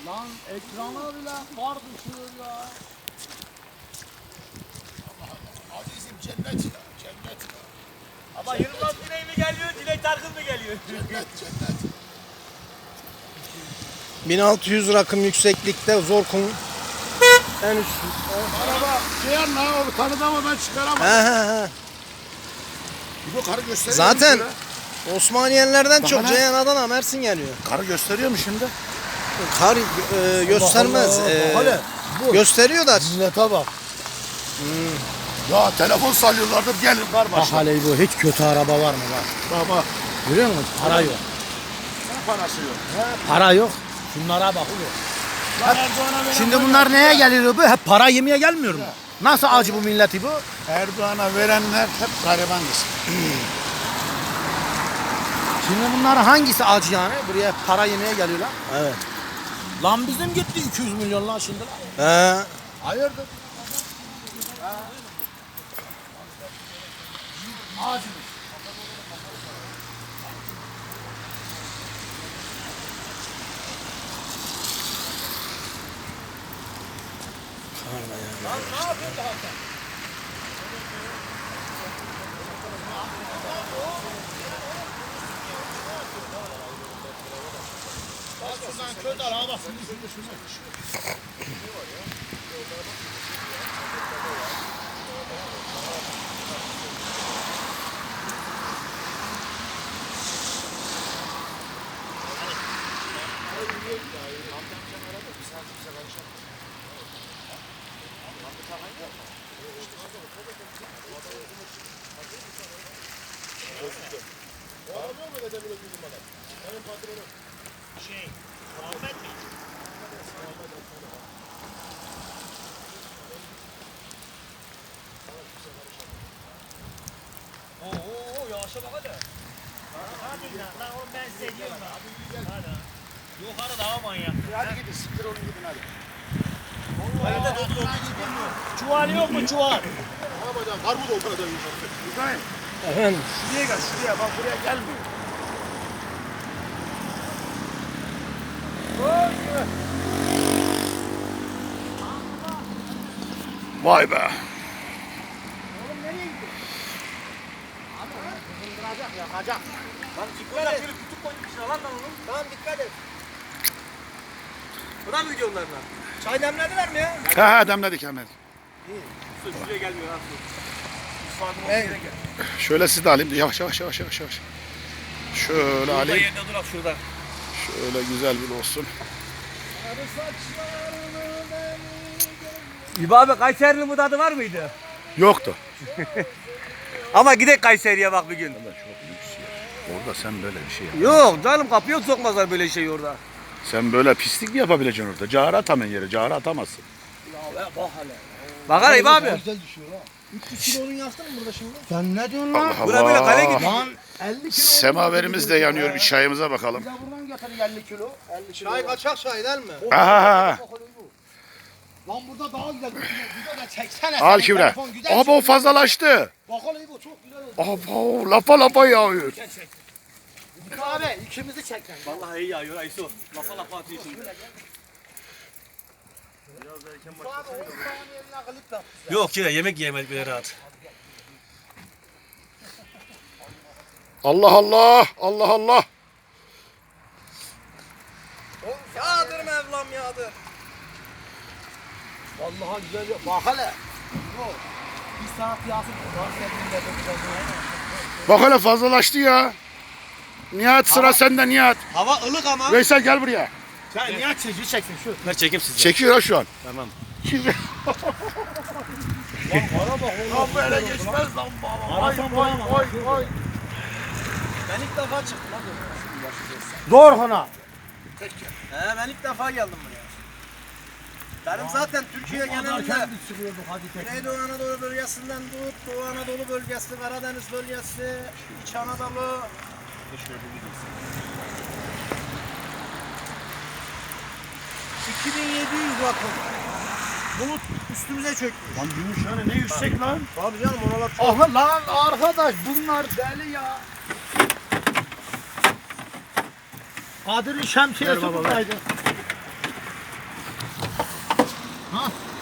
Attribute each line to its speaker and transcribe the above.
Speaker 1: Lan ekrana bile far düşüyor ya.
Speaker 2: Azizim cennet ya, cennet ya.
Speaker 3: Ama Yılmaz Güney mi geliyor, Dilek Tarkın mı geliyor?
Speaker 2: Cennet, cennet.
Speaker 4: 1600 rakım yükseklikte zor kum. En üst.
Speaker 2: Araba şey anla o tanıdamadan çıkaramam.
Speaker 4: He.
Speaker 2: Bu karı gösteriyor
Speaker 4: Zaten
Speaker 2: mu
Speaker 4: Osmaniyelerden
Speaker 2: Bak
Speaker 4: çok
Speaker 2: ana.
Speaker 4: Ceyhan, Adana, Mersin geliyor.
Speaker 2: Karı gösteriyor mu şimdi?
Speaker 4: Kar göstermez.
Speaker 1: Hala bu.
Speaker 4: Gösteriyor da.
Speaker 1: Millete bak.
Speaker 2: Ya telefon sallıyorlardır gelin kar
Speaker 1: Bak
Speaker 2: başına.
Speaker 1: hele bu hiç kötü araba var mı bak.
Speaker 2: Baba.
Speaker 1: Görüyor musun? Para yok.
Speaker 2: Ne parası yok?
Speaker 1: Para yok. Şunlara bak oğlum.
Speaker 2: Lan Erdoğan'a veren
Speaker 1: Şimdi bunlar neye geliyor bu? Hep para yemeye gelmiyor mu? Nasıl acı bu milleti bu?
Speaker 2: Erdoğan'a verenler hep gariban kısım.
Speaker 1: Şimdi bunların hangisi acı yani? Buraya para yemeye geliyorlar.
Speaker 4: Evet.
Speaker 1: Lan bizim gitti 200 milyon lan şimdi.
Speaker 4: He.
Speaker 2: Hayırdır?
Speaker 3: Oo, yavaşa bak hadi. Hadi lan oğlum ben size diyorum da. Hadi. Yukarı daha manyak.
Speaker 2: Hadi gidin siktir olun gidin hadi.
Speaker 3: Hayırda doktor. Çuval yok mu çuval?
Speaker 2: Ne yapacağım? Var mı da o kadar yiyecek? İbrahim
Speaker 4: Efendim.
Speaker 2: şuraya gel şuraya bak buraya gelmiyor. Vay be.
Speaker 1: Yakacak.
Speaker 3: Lan çıkmayacak şöyle kütük koymuşsun lan onu.
Speaker 1: Tamam dikkat et.
Speaker 3: Buna mı gidiyor onlarla? Çay demlediler mi ya?
Speaker 2: Ha demledik hemen.
Speaker 3: Şuraya gelmiyor lan.
Speaker 2: Şöyle siz de alayım. Yavaş yavaş yavaş yavaş yavaş. Şöyle
Speaker 3: Burada
Speaker 2: alayım.
Speaker 3: yerine durak şurada.
Speaker 2: Şöyle güzel bir olsun.
Speaker 3: İbo abi Kayseri'nin bu tadı var mıydı?
Speaker 2: Yoktu.
Speaker 3: Ama gidek Kayseri'ye bak bir gün.
Speaker 2: Orada sen böyle bir şey yap.
Speaker 3: Yok canım kapıya sokmazlar böyle şey orada.
Speaker 2: Sen böyle pislik mi yapabileceksin orada? Cağara atamın yere. Cağara atamazsın.
Speaker 3: Bak hele İbo abi.
Speaker 1: Güzel düşüyor ha. 300 kilo odun yaktın mı burada şimdi? Sen ne diyorsun lan?
Speaker 2: Allah
Speaker 3: Bura böyle kale
Speaker 2: Allah.
Speaker 3: gidiyor.
Speaker 1: Lan 50 kilo.
Speaker 2: Semaverimiz de yanıyor. Bir çayımıza bakalım.
Speaker 1: Bir de buradan getir 50 kilo. 50 kilo.
Speaker 4: Çay kaçak çay değil mi?
Speaker 2: Aha.
Speaker 1: Lan burada daha güzel. Güzel de çeksene.
Speaker 2: Al
Speaker 1: Senin
Speaker 2: Kübra.
Speaker 1: telefon güzel
Speaker 2: Abi o fazlalaştı.
Speaker 1: Bak hele bu çok güzel oldu.
Speaker 2: Abo lapa lapa yağıyor.
Speaker 1: Abi ikimizi çek lan.
Speaker 3: Vallahi iyi yağıyor Aysu. Lafa lafa atıyorsun.
Speaker 1: Abi 10 saniyeline kılıp da.
Speaker 3: Yok ya yemek yemedik bile rahat.
Speaker 2: Allah Allah. Allah Allah.
Speaker 4: Yağdır Mevlam yağdır.
Speaker 1: Vallahi güzel yok. Bak hele. Bu. Bir saat yağsın. Bahsettiğinde de güzel.
Speaker 2: Bak hele fazlalaştı ya. Nihat sıra sende Nihat.
Speaker 3: Hava ılık ama.
Speaker 2: Veysel gel buraya.
Speaker 1: Sen niye çekiyor çeksin şu.
Speaker 3: Ver çekeyim sizi.
Speaker 2: Çekiyor ha şu an.
Speaker 3: Tamam.
Speaker 2: Lan böyle geçmez lan baba.
Speaker 1: Arasam bulamam.
Speaker 2: Oy.
Speaker 4: Ben ilk defa çıktım abi.
Speaker 1: Zor hana.
Speaker 4: Ben ilk defa geldim buraya. Benim zaten Türkiye genelinde
Speaker 1: Kendi çıkıyorduk hadi tek.
Speaker 4: Güneydoğu Anadolu bölgesinden tut, Doğu Anadolu bölgesi, Karadeniz bölgesi, İç Anadolu. ...2700 rakım. Bulut üstümüze çöktü.
Speaker 2: Lan Gümüşhane ne yüksek lan.
Speaker 4: Abi canım oralar çok...
Speaker 1: Ah lan arkadaş bunlar deli ya. Kadir'in şemsiyesi buradaydı. Ha.